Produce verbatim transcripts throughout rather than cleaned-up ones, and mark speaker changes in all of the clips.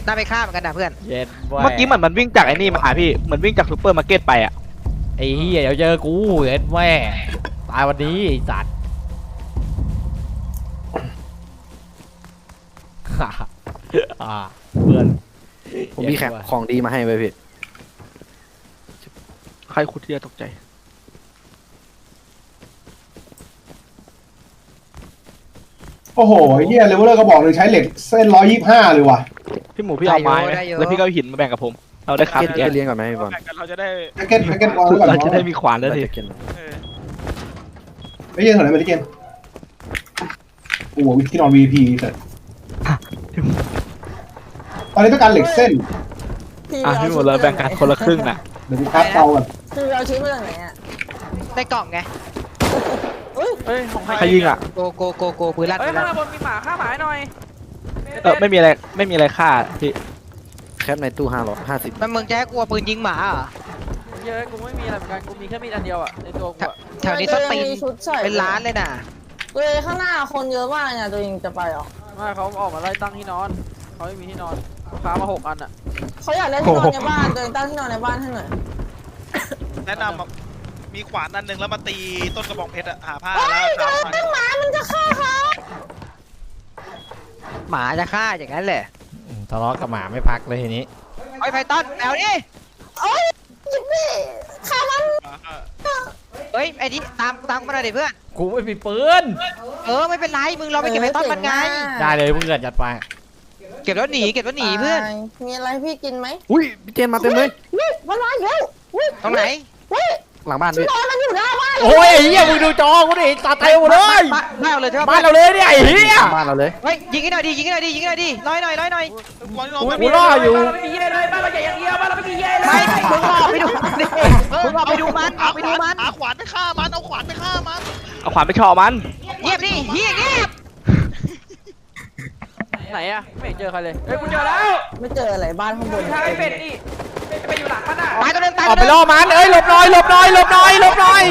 Speaker 1: น่าไปฆ่าเหมือนกันนะเพื่อน
Speaker 2: เมื่อกี้เหมือนมันวิ่งจากไอ้นี่มาหาพี่เหมือนวิ่งจากซูเปอร์มาร์เก็ตไปอ่ะ
Speaker 3: ไอ้เหี้ยเดี๋ยวเจอกูเอ็ดแม่ตายวันนี้ไอ้สัตว์อ่าเพื่อน
Speaker 4: ผมมีแขกของดีมาให้ไว้พี่
Speaker 2: ใครคุดที่จะตกใจ
Speaker 5: โอ้โหเฮียเลเวลเลอร์ก็บอกเลยใช้เหล็กเส้นร้อยยี่สิบห้าเลยว่ะ
Speaker 2: พี่หมูพี่เอาไม้ไหมแล้วพี่ก็หินมาแบ่งกับผมเราได้ครับ
Speaker 4: เก็ตเลี้ยงก่อนไหมพี่บอล
Speaker 6: เราจะได้
Speaker 5: แพ็กเก็ตแพ็กเก็ตวางไว้ก่อน
Speaker 2: เราจะได้มีขวานแล้วที
Speaker 5: ไม่ใช่ถอยมาที่เกมโอ้โหที่นอน วี พี เสร็จตอนนี้ต้องการเหล็กเส้น
Speaker 2: อ่ะพี่หมูเราแบ่งกันคนละครึ่งนะ
Speaker 5: เดี๋ยวกูคัดเตาก่อน
Speaker 7: คือเราชิ้นมาจากไหนอ่ะ
Speaker 1: ได้กล่องไง
Speaker 6: เฮ้ยของใคร
Speaker 2: ใครยิงอ่ะ
Speaker 1: โกโกโกโกปืนลั่น
Speaker 6: เฮ้ยข้างบนมีหมาฆ่าหมาหน่อย
Speaker 2: เออไม่มีอะไรไม่มีอะไรฆ่าพี่
Speaker 4: แคปในตู้ห้าร้อยห้าสิบ
Speaker 1: มันมึงจะให้กูเอาปืนยิงหมาอ่ะ
Speaker 6: เยอะกูไม่มีอะไรเหมือนกันกูมีแค่มีดอันเดียวอ่ะในตัวกู
Speaker 1: แถวนี้ต้องตีเป็นล้านเลยน่ะ
Speaker 7: เลยข้างหน้าคนเยอะมากเนี่ยตัวเองจะไปหรอ
Speaker 6: ไม่เขาออกมาไล่ตั้งที่นอนเขาไม่มีที่นอนพามาหกอันอ่ะ
Speaker 7: เขาอยากได้ที่นอนในบ้านตัวเองตั้งที่นอนในบ้านให้หน่อย
Speaker 8: แนะนำมีขวานอันหนึ่งแล้วมาตีต้นกระบองเพชรอะหาผ้า
Speaker 7: แล้วหมามันจะฆ่าเขา
Speaker 1: หมาจะฆ่าอย่างนั้นแหละ
Speaker 3: ทะเลาะกับหมาไม่พักเลยทีนี้
Speaker 1: ไอ้ไพทันแมวนี่
Speaker 7: โอ้ยยิงดิฆ่ามัน
Speaker 1: เฮ้ยไอ้นี่ตามตามมาหน่อยดิเพื่อน
Speaker 3: กูไม่มีปืน
Speaker 1: เออไม่เป็นไรมึงเราไปเก็บไพทันมันไง
Speaker 3: ได้เลยเพื่อนจัดไป
Speaker 1: เก็บแล้วหนีเก็บแล้วหนีเพื่อน
Speaker 7: มีอะไรพี่กินไหม
Speaker 4: อุ้ยพี่เจนมาเต็มเลย
Speaker 7: มันมาเยอะ
Speaker 1: ตรงไหน
Speaker 4: หลังบ้านพี่
Speaker 7: นอนมันอยู่หน้าบ้าน
Speaker 3: โอ้ยไอ้เหี้ยมึงดูจอกูดิตาเตวเลย
Speaker 1: บ้านเราเลยใช่ไหม
Speaker 3: บ้านเราเลยเนี่ยไอ้เหี้ย
Speaker 4: บ้านเราเลย
Speaker 1: เฮ้ยยิงให้หน่อยดิยิงให้หน่อยดิยิงให้หน่อยดิร้อยหน่อยร้อยหน่อย
Speaker 3: กูรออยู่
Speaker 6: บ้านเราไม่มีเย่เลยบ้านเราใหญ่อย่างเดียวบ้านเราไม่มีเย่เลย
Speaker 1: ไม่มึงรอไปดูมันดิมึงรอไปดูมันเอาไปดูมัน
Speaker 8: เอาขวานไปฆ่ามันเอาขวานไปฆ่ามัน
Speaker 2: เอาขวานไปเฉาะมัน
Speaker 1: เงียบดิเงียบเงียบ
Speaker 6: ไหนอะไม่เจอใครเลยเฮ้ยกูเจอแล้ว
Speaker 7: ไม่เจออะไรบ้านข้างบน
Speaker 6: ใช่เป็ดนี่ไปอยู่หลังมันอ่ะ
Speaker 1: ตายตัวนึงตาย
Speaker 3: ออกไปล่อมันเอ้ยหลบหน่อยหลบหน่อยหลบหน่อยหลบหน่อย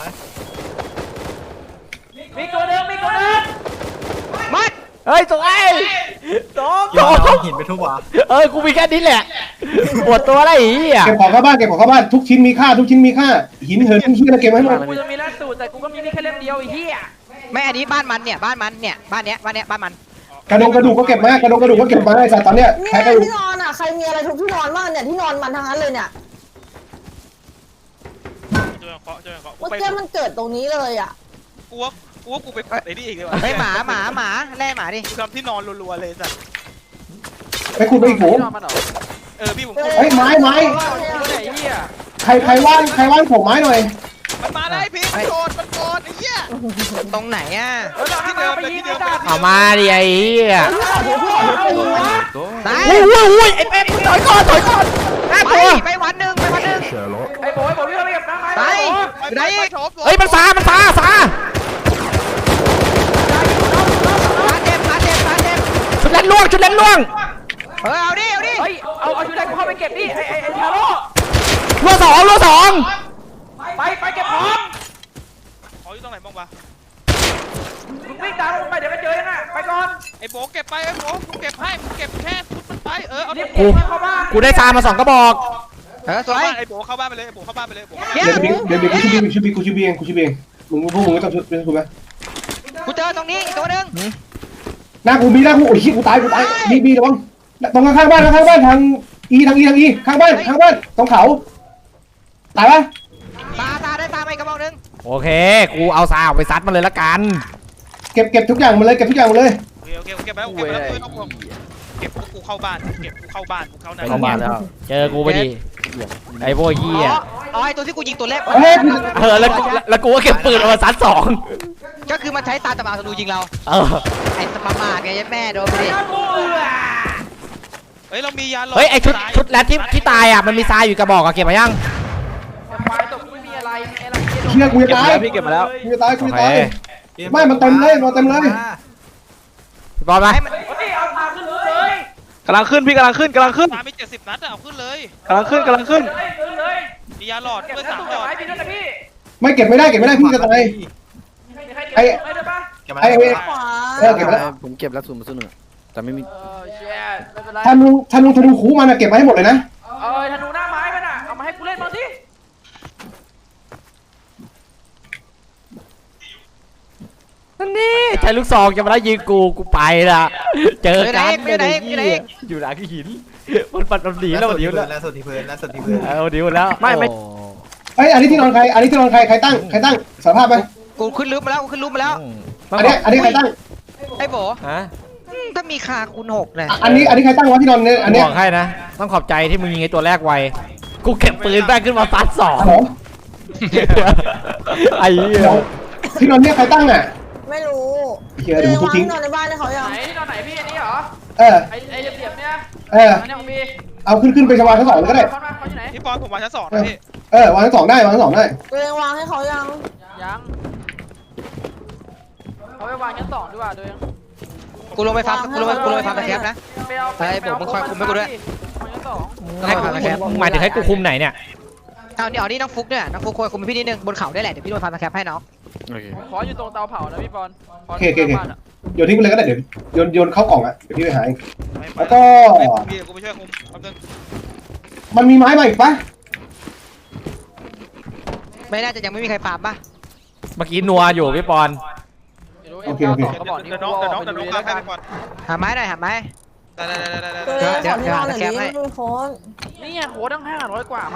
Speaker 6: มีตัวนึงมีตัวนึง
Speaker 1: มัด
Speaker 3: เฮ้ยตัวไอ้ตองตองหินไปทุกวะเอ้ยกูมีแค่นี้แหละปวดตัวอะไรอีก
Speaker 5: เก็บของเข้าบ้านเก็บของเข้าบ้านทุกชิ้นมีค่าทุกชิ้นมีค่าหินเหินชิ้นอะไรเก็บไว้ให้หมด
Speaker 6: กูจะมีล่าสุดแต่กูก็มีแค่เล่มเดียวไอ้เหี้ย
Speaker 1: ไม่อันนี้บ้านมันเนี่ยบ้านมันเนี่ยบ้านเนี้ยบ้านเนี้ยบ้านมัน
Speaker 5: กระดงกระดูกก็เก็บมากระดงกระดูกก็เก็บมาไอ้สัตว์ตอนเนี้ย
Speaker 7: ใครกระดูกที่นอนอ่ะใครมีอะไรทุกที่นอนบ้างเนี่ยที่นอนมันทั้งนั้นเลยเนี่ยเมื่อกี้มันเกิดตรงนี้เลยอ่ะ
Speaker 8: กูว่ากูว่ากูไปไอ้นี่อีกเลยว่ะ
Speaker 1: ไอ้หมาหมาหมาแล่หมาดิ
Speaker 8: กูทำที่นอนรัวๆเลยสัตว์
Speaker 5: ไปคุณไปอีกโห
Speaker 8: เออพี่ผม
Speaker 5: เฮ้ยไม้ไม้ใครใครว่างใครว่างผมไม้หน่อย
Speaker 8: มันมาได้พี่มันโดนมันโดนไอ้เหี้ย
Speaker 1: ตรงไหนอ่ะ
Speaker 8: ที่เดิมเลยที่เดิม
Speaker 3: เอามาดิไอ้เหี้ย
Speaker 1: ตาย
Speaker 3: อุ้ยอุ้ยไอ้เป็ดถอยก่อนถอยก่อน
Speaker 1: ไปไปวันหนึ่งไปวันหนึ่ง
Speaker 6: ไอ้โบยโบยพี่เราไปกับน้ำไ
Speaker 1: ปไหน
Speaker 3: เฮ้ยมันซามันซาซา
Speaker 1: มาเจ็บมาเจ็บมาเจ็บ
Speaker 3: ชุดเล่นล่วงชุดเล่นล่วง
Speaker 1: เออเอาดิเอาดิ
Speaker 6: เฮ้ยเอาเอาชุดแรกกูเข้าไปเก็บดิไอ้ไอ้ไอ้ทาโร่
Speaker 3: ล่วงสองล่วงสอง
Speaker 6: ไปไปเก็บของ
Speaker 8: ของอยู่ตรงไหนบ้างวะ
Speaker 6: มึงวิ่งตามลงไปเดี๋ยวมันเจอยังไงไปก่อน
Speaker 8: ไอ้โบเก็บไปไอ้โบกูเก็บให้กูเก็บแค่ฟุตมันไปเออเอาดิ
Speaker 3: กูกูได้ซามาสองกระบอก
Speaker 1: เออสวย
Speaker 8: ไอ้โบเข้าบ้านไปเลยไอ้โบเข้าบ้านไปเลย
Speaker 5: เดี๋ยวเดี๋ยวเดี๋ยวกูชิบีชิบีกูชิบีเองกูชิบีเองมึงพวกมึงไม่ต้องช่วยกูไหม
Speaker 1: กูเจอตรงนี้อีกตัวนึง
Speaker 5: หน้ากูมีหน้ากูโอ้ยกูตายกูตายบีบีระวังตรงข้างบ้านข้างบ้านทางอีทางอีทางอีข้างบ้านข้างบ้านตรงเขาตายปะ
Speaker 1: ตาตาได้ตาไปกระบอกนึง
Speaker 3: โอเคกูเอาซาออกไปซัดมันเลยละกัน
Speaker 5: เก็บเก็บทุกอย่างมาเลยเก็บทุกอย่างมาเลย
Speaker 8: โอเคโอเคเก็บไปแล้วเก็บไปแล้วเก็บเก็บกูเข้าบ้านเก็บกูเข้าบ้านกูเข้าใน
Speaker 3: เข้าบ้านแล้วเจอกูไปดิไอ้พวกเหี้ย
Speaker 1: อ๋อไอ้ตัวที่กูยิงตัวแรก
Speaker 3: เออแล้วแล้วกูก็เก็บปืนเอามาซัดสอง
Speaker 1: ก็คือมันใช้ตาตะบาธนูยิงเรา
Speaker 3: เออ
Speaker 1: ไอ้สมามาไงยัดแม่โดนไปดิ
Speaker 8: เฮ้ยเรามียาหลอด
Speaker 3: เฮ้ยไอ้ชุดชุดแรดที่ที่ตายอ่ะมันมีทรายอยู่กระบอกอะเก็บมายัง
Speaker 6: ควายตกไม่มีอะไรอะไร
Speaker 5: เชี่ยกูจะตาย
Speaker 2: พี่เก็บมาแล้ว
Speaker 5: กูจะตายกูจะตายไม่มันเต็มเลยมันเต็มเลย
Speaker 3: พี่บอลไหม
Speaker 6: เอาพาขึ้นเลย
Speaker 2: กำลังขึ้นพี่กำลังขึ้นกำลังขึ้น
Speaker 8: ตามีเจ็ดสิบนัดเอาขึ้นเลย
Speaker 2: กำลังขึ้นกำลังขึ้น
Speaker 8: มียาหลอดเพื่อสามหลอด
Speaker 5: ไม่เก็บไม่ได้เก็บไม่ได้พี่จะตายไอ้ไอ้เออเก็บแล้ว
Speaker 4: ผมเก็บแล้วศูนย์มาศูนย์หนึ่งแต่ไม่มี
Speaker 6: ไม่เป็นไร
Speaker 5: ธนูธนูธนูคูมันอะเก็บมาให้หมดเลยนะ
Speaker 6: เออธนูหน้าไม้มันอ่ะเอามาให้กูเล่นบ้างสิ
Speaker 3: นั่นนี่ใช้ลูกซองจะมาได้ยิงกูกูไปละเจอกัน
Speaker 1: ไปไหนไปไหน
Speaker 3: อยู่หลังหินมันปัดมันหนีแล้วมันหนีแล้ว
Speaker 9: ล่าสุดที่พื้นล่าสุดที่พื้น
Speaker 3: เออมันหนีหมดแล้ว
Speaker 2: ไม่ไม่
Speaker 5: เอ้ยอันนี้ที่นอนใครอันนี้ที่นอนใครใครตั้งใครตั้งสารภาพไหม
Speaker 1: กูขึ้นรูปมาแล้วกูขึ้นรูปมาแล้ว
Speaker 5: อันนี้อันนี้ใครตั้ง
Speaker 1: ไอ้โบ
Speaker 3: ฮะ
Speaker 1: อืมถ้ามีคาคูณหกเนี่ย
Speaker 5: อันนี้อันนี้ใครตั้งวะที่นอนเนี่ยอันเนี้ย
Speaker 3: บอกให้นะต้องขอบใจที่มึงยิงไอ้ตัวแรกไวกูเก็บปืนแม่งขึ้นมาซัดสอง
Speaker 5: ฮัลโหล
Speaker 3: ไอ้เหี้ย
Speaker 5: เดี๋ยวที่นอนเนี่ยใครตั้งอ่ะ
Speaker 7: ไม่รู้
Speaker 5: เฮียเดี๋ยวกู
Speaker 7: วาง
Speaker 5: ทิ้ง
Speaker 7: ที่นอนในบ้านให้เขา
Speaker 6: ไหน
Speaker 7: ยัง
Speaker 6: ที่นอนไหนพี่อันนี้เหรอ
Speaker 5: เออ
Speaker 6: ไอ้ไอ้เหลี่ยมๆเนี่ย
Speaker 5: เออ
Speaker 6: อันนี้ของพี่
Speaker 5: เอาขึ้นขึ้นไปชวาชั้นสองเลยก็ได้
Speaker 6: คอนมาคอนอยู่ไหน
Speaker 8: พี่ปอนผมวางชั้นสองนะพี่
Speaker 5: เออวางชั้นสองได้วางชั้นสองได้
Speaker 7: ตัวเองวางให้เขายัง
Speaker 6: ยังเอาไปวางชั้นสองดีกว่าตัวเอง
Speaker 1: กูลงไปฟาร์มกูลงไปกูลงไปฟาร์มตะแคบนะ
Speaker 6: ไปเอา
Speaker 1: ไปผมมึงคอยคุมให้กูด้วย
Speaker 6: วางชั้นสอง
Speaker 3: ให้กูมึงหมายถึงให้กูคุมไหนเนี่ย
Speaker 1: เอาเดี๋ยวนี่น้องฟุกเนี่ยน้องฟุกคอยคุมพี่นิดนึงบนเขาได้แหละเดี๋ยวพี่โดนฟาร์มตะแคบให้น้อง
Speaker 4: โอเค
Speaker 6: ผมขออยู่ตรงเตาเผานะพี่บอลข
Speaker 5: โอเคโอเคโอเค
Speaker 6: บ้านอะ
Speaker 5: โยนทิ้งไปเลยก็ได้เดี๋ยวโยนโยนเข้ากล่องอ่ะเดี๋ยวพี่ไปหาเอง
Speaker 8: ไม่ไป
Speaker 5: แล้วก็
Speaker 8: ไม่ไปพี่กูไปช่วยคุมแป๊บนึง
Speaker 5: มันมีไม้มาอีกปะ
Speaker 1: ไม่น่าจะยังไม่มีใครฟาร์มป่ะ
Speaker 3: เมื่อกี้นัวอยู่พี่ปอน
Speaker 6: ไม่รู้เอ็มเก้าสองกระบอกนี้
Speaker 8: เดี๋ยวน้องเดี๋ยวน้องเดี๋ยวน้อง
Speaker 6: กู
Speaker 8: พา
Speaker 6: เอา
Speaker 8: ใคร
Speaker 6: ไป
Speaker 8: ไปก่อน
Speaker 1: หาไม้หน่อยหาไม้
Speaker 8: ได้ได้ได้ได้
Speaker 7: ตัว
Speaker 8: ได้
Speaker 7: เอง
Speaker 1: เดี๋ยว
Speaker 7: ขอที่นอนหน่อย
Speaker 1: เดี๋
Speaker 7: ดิ
Speaker 1: ยวให้
Speaker 7: ไม่โค้ด
Speaker 6: นี่ไงโค้ดตั้งห้าร้อยกว่ามา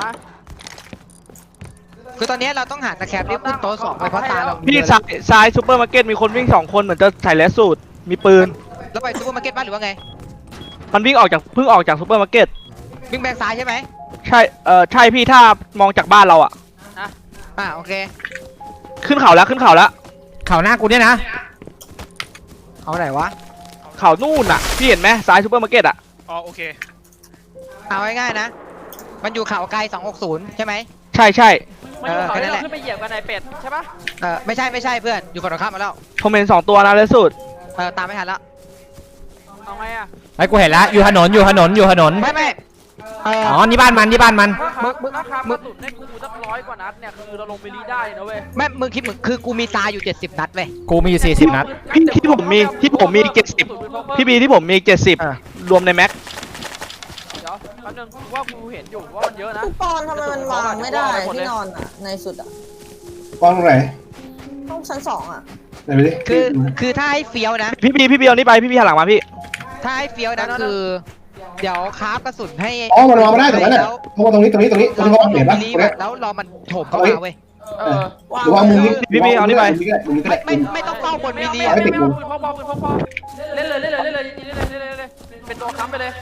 Speaker 1: คือตอนนี้เราต้องหาตะแคบที่ขึ้นโต๊ะสองไปเพราะตาเรา
Speaker 2: พี่ซ้ายซ้ายซูเปอร์มาร์เก็ตมีคนวิ่งสองคนเหมือนจะใส่แลสสูตรมีปืน
Speaker 1: แล้วไปซูเปอร์มาร์เก็ตบ้านหรือว่าไง
Speaker 2: มันวิ่งออกจากเพิ่งออกจากซูเปอร์มาร์เก็ต
Speaker 1: วิ่งแบงซ้ายใช่ไหม
Speaker 2: ใช่เออใช่พี่ถ้ามองจากบ้านเราอะ
Speaker 1: อ่าโอเค
Speaker 2: ขึ้นเขาแล้วขึ้นเขาแล้ว
Speaker 3: เข่าหน้ากูเนี่ยนะ
Speaker 1: เอาไหนวะ
Speaker 2: เขานู่นอะพี่เห็นไหมซ้ายซูเปอร์มาร์เก็ตอะ
Speaker 8: อ๋อโอเค
Speaker 1: เอาง่ายๆนะ มันอยู่เขาไกลสองหกศูนย์ใช่ไหม
Speaker 2: ใช่ใช่
Speaker 6: มันอยู่เขา
Speaker 1: เออแค่นั้
Speaker 6: ที่
Speaker 1: นแหละ
Speaker 6: เราขึ้นไปเหยียบกันในเป็ดใช่ปะ
Speaker 1: เออไม่ใช่ไม่ใช่เพื่อนอยู่ฝั่งตรงข้ามมาแล้ว
Speaker 2: ผมเห็นสองตัวนะแลสสูตร
Speaker 1: เออตามไม่ทันแล้ว
Speaker 6: เอาไงอะ
Speaker 3: ไอ้กูเห็นแล้วอยู่ถนนอยู่ถนนอยู่ถนน
Speaker 1: ไม่ไม่เออ
Speaker 3: อ๋อนี่บ้านมันนี่บ้านมัน
Speaker 6: ถ้าครับถ้าครับกระสุนให้กูสักร้อยกว่านัดเนี่ยคือเราลงไปรีได้นะเว้ย
Speaker 1: ไม่มึงคิดมึงคือกูมีตาอยู่เจ็ดสิบนัดเว้ย
Speaker 3: กูมีอยู่สี่สิบนัด
Speaker 2: พี่ที่ผมมีที่ผมมีเจ็ดสิบพี่บีที่ผมมีเจ็ดสิบ
Speaker 1: อ่ะ
Speaker 2: รวมในแม็ก
Speaker 6: เดี๋ยวแป๊บนึงกูว่ากูเห็นอยู่ว่ามันเยอะนะ
Speaker 7: พี่ปอนทำไมมันวางไม่ได้ที่นอนอ่ะในสุดอ่ะ
Speaker 5: วางตรงไหน
Speaker 7: ต้องชั้นสองอ่ะ
Speaker 5: ไหนไปดิ
Speaker 1: คือคือถ้าให้เฟี้ยวนะ
Speaker 2: พี่บีพี่บีเอานี่ไปพี่บีหันหลังมาพี่
Speaker 1: ถ้าให้เฟี้ยวนะคือ เดี๋ยวคราฟกระสุนให้
Speaker 5: อ๋อมันวางไม่ได้ตรงนั้นน่ะ
Speaker 1: แล้ว
Speaker 5: เพราะว่าตรงนี้ตรงนี้ตรงนี้ตรงนี้เขาวางเหรียญปะ
Speaker 1: รี
Speaker 5: ตรง
Speaker 1: บ
Speaker 5: เนี้ย
Speaker 1: แล้วรอมันโถมเข้ามาเว้ย
Speaker 6: เออ
Speaker 7: วาง
Speaker 5: หรือวางมุมนี้
Speaker 2: พี่พี่เอานี่ไป
Speaker 5: มุมนี้ก็ได้มุมนี้ก็
Speaker 1: ไม่
Speaker 5: ได้
Speaker 1: ไม่ไม่ต้องเฝ้าบน
Speaker 6: ไม่
Speaker 1: มิ
Speaker 6: เอา
Speaker 1: ล
Speaker 6: ไม่
Speaker 1: ลี
Speaker 6: เอา
Speaker 1: อะ
Speaker 6: ไม่เอาปืนพอๆปืนพอๆเล่นเลยเล่นเลยเล่นเลยเล่นเลยเล่นเลยเล่นเลยเป็นตัวค้ำไปเลย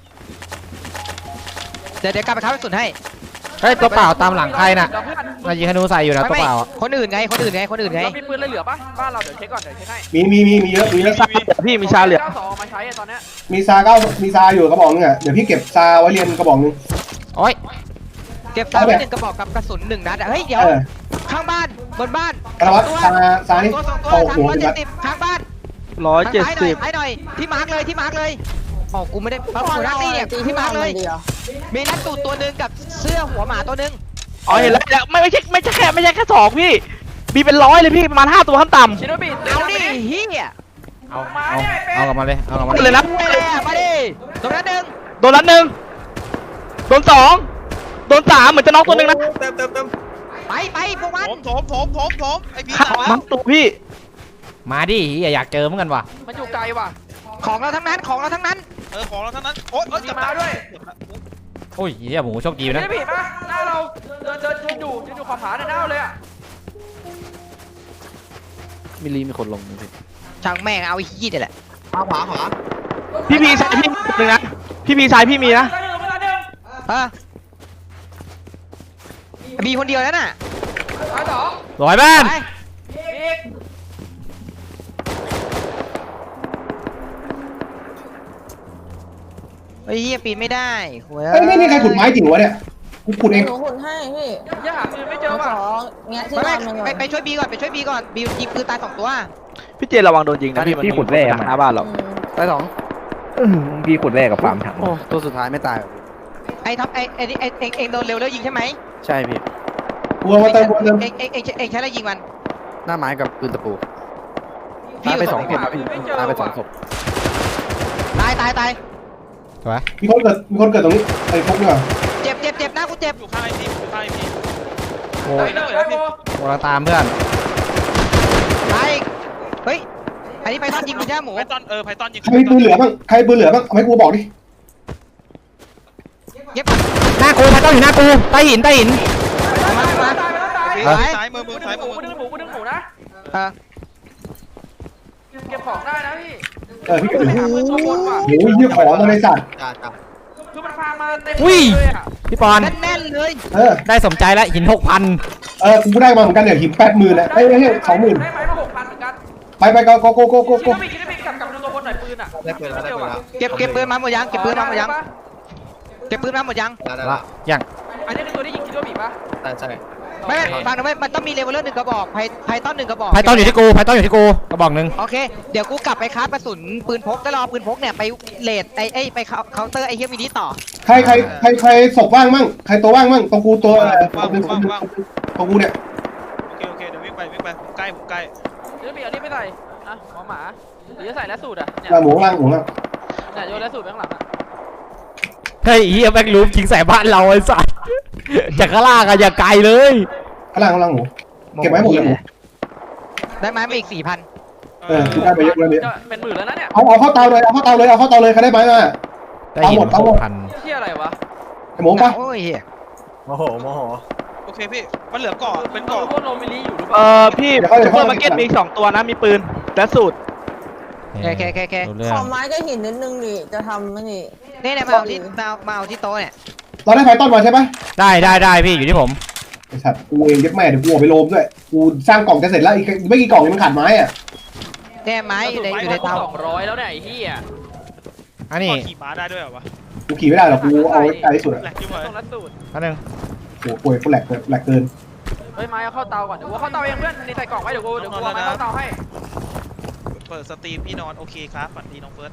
Speaker 1: เดี๋ยวเดี๋ยวกลับไปคราฟกระสุนให้
Speaker 3: เฮ้ยตัวเปล่าตามหลังใครน่ะ
Speaker 6: เดี๋ยวเพื่อน
Speaker 3: มายิงธนูใส่อยู่นะ
Speaker 1: ไม่
Speaker 3: ตัว
Speaker 1: ไม่
Speaker 3: เปล่าอะ
Speaker 1: คนอื่นไงคนอื่นไงคนอื่นไง
Speaker 6: เรามีปืนอะไรเหลือปะบ้านเราเดี๋ยวเช็คก่อนเดี๋ยวเช็คให้
Speaker 5: มีมีมีมีเยอะมีเยอะ
Speaker 2: ชาเหลือพี่มีชาเหลือ
Speaker 6: เก้าสองเอามาใช้อะตอนเนี้ย
Speaker 5: มีซาเก้ามีซาอยู่กระบอกนึงอ่ะเดี๋ยวพี่เก็บซาไว้เรียนกระบอกนึง
Speaker 3: โอ้ย
Speaker 1: เก็บซาไว้หนึ่งกระบอกกับกระสุนหนึ่งนัดอะเฮ้ยเดี๋ยว
Speaker 5: เออ
Speaker 1: ข้างบ้านบนบ้าน
Speaker 5: กระวัตซาซานี่
Speaker 1: ตัวสองตัว
Speaker 5: เข้า
Speaker 1: ทาง
Speaker 5: หัว
Speaker 1: ร้อย
Speaker 5: จุด
Speaker 1: เจ็
Speaker 5: นั
Speaker 1: ด
Speaker 5: ด
Speaker 1: สิบข้างบ้าน
Speaker 2: ร้อย
Speaker 1: ทาง
Speaker 2: เจ็ด
Speaker 1: ซ้ายหน่อ
Speaker 2: สิ
Speaker 1: ย
Speaker 2: บ
Speaker 1: ซ้ายหน่อยที่มาร์กเลยที่มาร์กเลยอ๋อกูไม่ได้
Speaker 7: พี่
Speaker 1: ปั๊บ
Speaker 7: ปอน
Speaker 1: หัวหน้า
Speaker 7: เอา
Speaker 1: ตี
Speaker 7: อะไร
Speaker 1: เนี่ย
Speaker 7: ตี
Speaker 1: ที่
Speaker 7: ที่น
Speaker 1: มา
Speaker 7: อ
Speaker 1: ร์
Speaker 7: น
Speaker 1: กเลย
Speaker 7: มันดีอ่ะ
Speaker 1: มีนักตูดตัวหนึ่งกับเสื้อหัวหมาตัวหนึ่ง
Speaker 2: อ๋อเห็นแล้วแล้วไม่ไม่ใช่ไม่ใช่แค่ไม่ใช่แค่สองพี่มีเป็นร้อยเลยพี่ประมาณห้าตัวขั้นต่ำ
Speaker 6: ชิโนบิ
Speaker 1: เอาดิเฮีย
Speaker 3: เอาเอาเอากลับมาเลยเอากลับมา
Speaker 2: เลยนะ
Speaker 1: ไปเลยอะมาดิตรงนั้นหนึ่ง
Speaker 2: โดนนัดหนึ่งโดนสองโดนสามเหมือนจะน็อกตัวหนึ่งนะ
Speaker 9: เติมเติมเติม
Speaker 1: ไปไปพวกมัน
Speaker 8: โถมโถมโถมโถมโถมไอพี่
Speaker 2: ขา
Speaker 8: ตาย
Speaker 2: มังตัวพี่
Speaker 3: มาดิอย่าอยากเจอเหมือนกันว่ะ
Speaker 6: มันอยู่ไกลว่ะ
Speaker 1: ของเราทั้งนั้นของเราทั้งนั้น
Speaker 8: เออของเราทั้งนั้นโอ๊ยโอ๊ย
Speaker 6: มี
Speaker 8: จับ
Speaker 6: มา
Speaker 8: ตา
Speaker 6: ด้วย
Speaker 3: โอ้ยเหี้ยหมูโชคดี
Speaker 6: ชิ
Speaker 3: นะ
Speaker 6: โนบิปะหน้าเราเดินเดินยืนอยู่ยืนอยู่ขอบผาเนี่ยหน้าเราเลยอะ
Speaker 4: มิลลีมีคนลงนะพี่
Speaker 1: ช่างแม่งเอาไอ้ขี้นี่แหละ
Speaker 9: ขวาขวาขวา
Speaker 2: พี่พีซ้ายพี่หนึ่งนะพี่พีซ้ายพี่มีนะ
Speaker 6: เวลาหนึ่งเวลาหนึ่ง
Speaker 1: ฮะมีคนเดียวแล้วน่ะ
Speaker 6: ซ้ายสอง
Speaker 3: ร้อยบ้าน
Speaker 1: ไป
Speaker 6: อีก
Speaker 1: ไอ้เหี้ยปีนไม่ได้โว้ย
Speaker 5: เฮ้ยนี่นี่ใครขุดไม้จริงวะเนี่ยกูขุดเอง
Speaker 7: หนูขุดให้พี่
Speaker 6: ยังหาปืนไม่เจ
Speaker 7: ห
Speaker 6: อ
Speaker 7: นูข
Speaker 6: ป่ะ
Speaker 7: อแงะที่
Speaker 1: ไป
Speaker 7: นอนมัน
Speaker 1: ไป
Speaker 7: ก่อน
Speaker 1: ไปช่วยบีก่อนไปช่วยบีก่อนบียิงปืนตายสองตัว
Speaker 2: พี่เจนระวังโดนยิงนะพี่มันขุดแร่หน้าบ้านเรา
Speaker 7: อืม
Speaker 4: ตายสอง
Speaker 2: พี่ขุดแร่กับฟาร์มถัง
Speaker 4: โอ้ตัวสุดท้ายไม่ตายหรอก
Speaker 1: ไอ้ท็อปไอ้ไอ้ไอ้เองเองโดนเร็วแล้วยิงใช่ไหม
Speaker 4: ใช่พี่
Speaker 5: กูเอามาเติมกูเอามาเติม
Speaker 1: เองเองเองเองใช้อะไรยิงมัน
Speaker 4: หน้าไม้กับปืนตะปู
Speaker 1: พี่
Speaker 4: ตายไป
Speaker 1: ยู่
Speaker 4: สอง
Speaker 1: ตร
Speaker 4: เข็มครับพี่ตายไปสองศพ
Speaker 1: ตายตายตาย
Speaker 3: สวย
Speaker 5: มีคนเกิดมีคนเกิดตรงนี้ไอ้พวกเนี่ย
Speaker 1: เจ็บเจ็บเจ็บหน้ากูเจ็บ
Speaker 8: อยู่ข้างไอพีอยู่ข้างไอพี
Speaker 3: โอ้
Speaker 6: เฮ้
Speaker 3: ย
Speaker 6: ยเฮ้ยเฮ้ยโบ
Speaker 3: โอ้เราตามเพื่อน
Speaker 1: ไปเฮ้ยอันนี้ไปทอดยิงกูใช่ไหมหมู
Speaker 8: ไพตอนเออไพตอนยิง
Speaker 5: ใครมีปืนเหลือบ้างใครปืนเหลือบ้างเอาให้กูบอกดิ
Speaker 1: เย็บ
Speaker 3: หน้ากูพัดต้องอยู่หน้ากูใต้หินใต้หิน
Speaker 1: มามา
Speaker 6: ตายไปแล้วตาย
Speaker 1: เออ
Speaker 8: ซ้ายมือมื
Speaker 6: กู
Speaker 8: อ
Speaker 6: ดึ
Speaker 8: ซ้าย
Speaker 6: งห
Speaker 8: มื
Speaker 6: มู
Speaker 8: อ
Speaker 6: กูดึงหมูกูดึงหมูนะ
Speaker 1: เออ
Speaker 6: เก็บของได้นะพี่
Speaker 5: เออพี่เกิดอยู่
Speaker 6: หาปืนตัวบนว่ะ
Speaker 5: โอ้ยเยี่ยของมาในสัตว์
Speaker 9: จ้าจ้า
Speaker 6: คือมันพามาเต็มเลยอ่ะ
Speaker 3: พี่ปอน
Speaker 1: แน่นๆเลย
Speaker 5: เออ
Speaker 3: ได้สมใจแล้วหินหกพัน
Speaker 5: เออกูได้มาเหมือนกันเนี่ยหินแปดหมื่นนะไอ้ไอ้สองหมื่น
Speaker 6: ได้ไหมมาหกพันเหมือนกัน
Speaker 5: ไปไปโกโกโกโกโก
Speaker 6: คิด
Speaker 5: โก
Speaker 6: ว่ามีคิดว่ามีกลับกลับดูตัวบนหน่อยปืนอ่ะ
Speaker 9: ได้ปืนแล้วได้ปืนแล้ว
Speaker 1: เก็บเก็บปืนมาหมดยังเก็บปืนมาหมดยังเก็บปืนมาหมดยัง
Speaker 9: ได้ได้
Speaker 3: ละยัง
Speaker 6: อันนี้คือตัวที่ยิงคิดว่ามีปะ
Speaker 9: ได้ใช่
Speaker 1: ไม่ไม่ฟังนะไม่มันต้องมีเลเวลเลอร์หนึ่งกระบอกไพไพต้นหนึ่งกระบอก
Speaker 3: ไพต้อนอยู่ที่กูไพต้อนอยู่ที่กูกระบอกหนึ่ง
Speaker 1: โอเค เดี๋ยวกูกลับไปคราฟกระสุนปืนพกแล้วรอปืนพกเนี่ยไปเลดไอ้ไอ้ไปเคาน์เตอร์ไอ้เฮียมินิต่อ
Speaker 5: ใครใครใครใครศพว่างมั่งใครตัวว่างมั่งตรงกูตัวตรงกูเนี่ย
Speaker 8: โอเคโอเคเดี๋ยววิ่งไปวิ่งไปผมใกล้ผมใกล้
Speaker 6: คิดว่ามีอันนี้ไม่ใส่อ่ะหมอหมาหรือจะใส่แล้วสูตรอ่ะเนี่ย
Speaker 5: หมูล่างหมูล่าง
Speaker 6: เนี่ยโยนแล้วสูตรไปข้างหลังอ่ะ
Speaker 3: เฮ้ยเฮียแบ็กลูปยิงใส่บ้านเราไอ้สัสจากข้างล่างอะอย่าไกลเลย
Speaker 5: ข้างล่างข้างล่างหมูเก็บไว้หมดเลยหมู
Speaker 1: ได้ไหมมาอีกสี่พัน
Speaker 5: เออได้ไปเยอะเลย
Speaker 6: จะเป็นหมื่นแล้วนะเนี่ย
Speaker 5: เอาเอาเข้าเตาเลยเอาเข้าเตาเลยเอาเข้าเตาเลยใครได้ไหมมา
Speaker 3: ได้หิน
Speaker 5: เอาหม
Speaker 3: ห
Speaker 5: ด
Speaker 3: กพัน
Speaker 6: เที่ยอะไรวะ
Speaker 5: ไอ้หมูปะ
Speaker 1: โอ้ยเฮีย
Speaker 9: โมโหโมโห
Speaker 8: โอเคพี่มันเหลือเกาะเป็น
Speaker 6: ตัว
Speaker 8: เกาะ
Speaker 6: พวกโนมิลีอยู่หรือเป
Speaker 2: เอ
Speaker 6: ล่า
Speaker 2: อพี่ซูเปอร์มาร์เก็ตมีอีกสองตัวนะมีปืนและสูตร
Speaker 1: แค่แค่แค่แค่
Speaker 3: รู้เรื่
Speaker 7: ข
Speaker 3: อ
Speaker 7: อง ไม้ก็หินนิดนึงดิจะทำไม่นี่
Speaker 1: นี่เนี่ยมาเอาที่มาเอามาเอาที่โต๊ะเนี่ย
Speaker 5: เราได้ไฟต้นมาใช่ปะ
Speaker 3: ได้ได้ได้พี่อยู่ที่ผม
Speaker 5: ไอ้สัตว์กูเองยัดแม่เดี๋ยวกูออกไปโลมด้วยกูสร้างกล่องจะเสร็จแล้วอีกไม่กี่กล่องยังมันขาดไม้อ่ะ
Speaker 1: เนี่ยไม้อยู่ในอยู่ในเตา
Speaker 6: สองร้อยแล้วเนี่ยไอ้เหี้ย
Speaker 3: อันนี้
Speaker 8: เกาะขี่ม้าได้ด้วยเหรอวะ
Speaker 5: กูขี่ไม่ได้หรอกกูเอาไว้ไกลที่สุดอ่ะ
Speaker 8: แหลกจิ้มเลย
Speaker 6: ต้องรัดสูตร
Speaker 3: อันนึง
Speaker 5: โอ้โหป่วยกูแหลกแหลกเกิน
Speaker 6: เฮ้ยไม้เอาเข้าเตาก่อนเดี๋ยวกูเข้าเตาเองเพื่อนนี่ใส่กล่องไว้เดี๋ยวกูเดี๋ยวกูเอาไม้เข้าเตาให้
Speaker 8: เปิดสตรีมพี่นอนโอเคครับฝันดีน้องเฟิร์ส